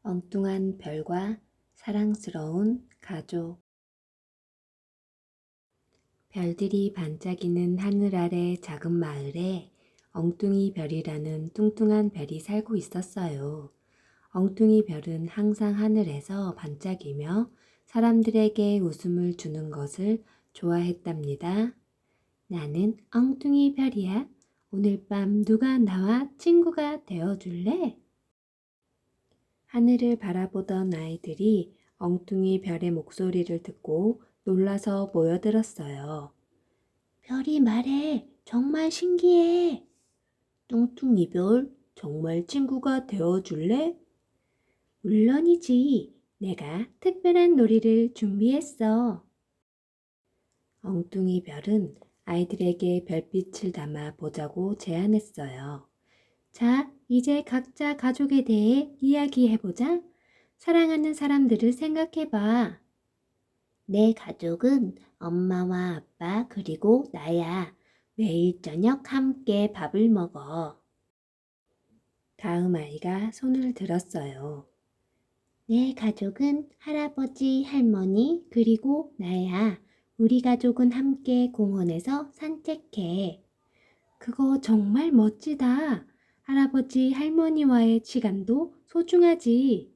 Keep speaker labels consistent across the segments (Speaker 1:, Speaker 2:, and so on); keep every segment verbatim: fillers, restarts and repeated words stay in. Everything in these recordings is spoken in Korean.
Speaker 1: 엉뚱한 별과 사랑스러운 가족. 별들이 반짝이는 하늘 아래 작은 마을에 엉뚱이 별이라는 뚱뚱한 별이 살고 있었어요. 엉뚱이 별은 항상 하늘에서 반짝이며 사람들에게 웃음을 주는 것을 좋아했답니다. 나는 엉뚱이 별이야. 오늘 밤 누가 나와 친구가 되어줄래? 하늘을 바라보던 아이들이 엉뚱이 별의 목소리를 듣고 놀라서 모여들었어요. 별이 말해. 정말 신기해. 뚱뚱이 별, 정말 친구가 되어줄래? 물론이지. 내가 특별한 놀이를 준비했어. 엉뚱이 별은 아이들에게 별빛을 담아 보자고 제안했어요. 자, 이제 각자 가족에 대해 이야기해보자. 사랑하는 사람들을 생각해봐. 내 가족은 엄마와 아빠 그리고 나야. 매일 저녁 함께 밥을 먹어. 다음 아이가 손을 들었어요. 내 가족은 할아버지, 할머니 그리고 나야. 우리 가족은 함께 공원에서 산책해. 그거 정말 멋지다. 할아버지, 할머니와의 시간도 소중하지.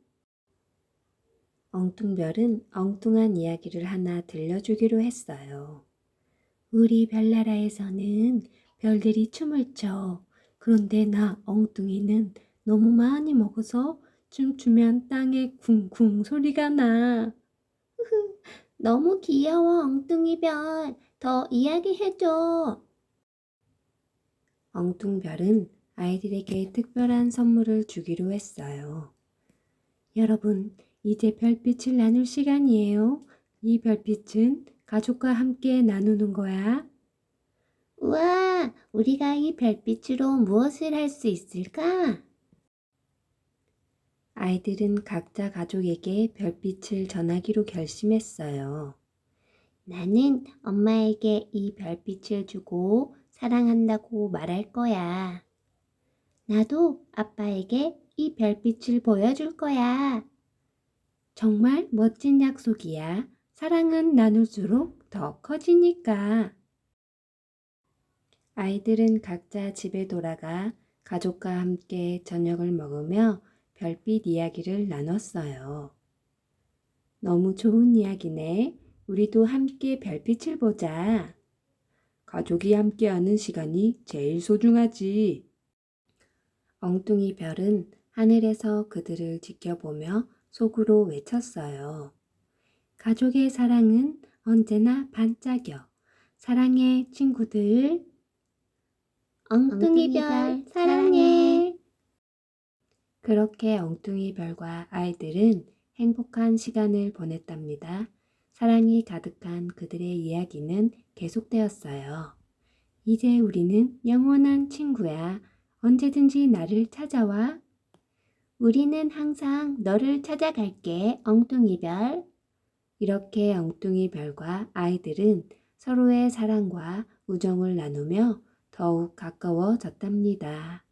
Speaker 1: 엉뚱별은 엉뚱한 이야기를 하나 들려주기로 했어요. 우리 별나라에서는 별들이 춤을 춰. 그런데 나 엉뚱이는 너무 많이 먹어서 춤추면 땅에 쿵쿵 소리가 나. 너무 귀여워, 엉뚱이 별. 더 이야기해줘. 엉뚱별은 아이들에게 특별한 선물을 주기로 했어요. 여러분, 이제 별빛을 나눌 시간이에요. 이 별빛은 가족과 함께 나누는 거야. 우와, 우리가 이 별빛으로 무엇을 할 수 있을까? 아이들은 각자 가족에게 별빛을 전하기로 결심했어요. 나는 엄마에게 이 별빛을 주고 사랑한다고 말할 거야. 나도 아빠에게 이 별빛을 보여줄 거야. 정말 멋진 약속이야. 사랑은 나눌수록 더 커지니까. 아이들은 각자 집에 돌아가 가족과 함께 저녁을 먹으며 별빛 이야기를 나눴어요. 너무 좋은 이야기네. 우리도 함께 별빛을 보자. 가족이 함께하는 시간이 제일 소중하지. 엉뚱이 별은 하늘에서 그들을 지켜보며 속으로 외쳤어요. 가족의 사랑은 언제나 반짝여. 사랑해, 친구들. 엉뚱이 별 사랑해. 그렇게 엉뚱이 별과 아이들은 행복한 시간을 보냈답니다. 사랑이 가득한 그들의 이야기는 계속되었어요. 이제 우리는 영원한 친구야. 언제든지 나를 찾아와. 우리는 항상 너를 찾아갈게, 엉뚱이 별. 이렇게 엉뚱이 별과 아이들은 서로의 사랑과 우정을 나누며 더욱 가까워졌답니다.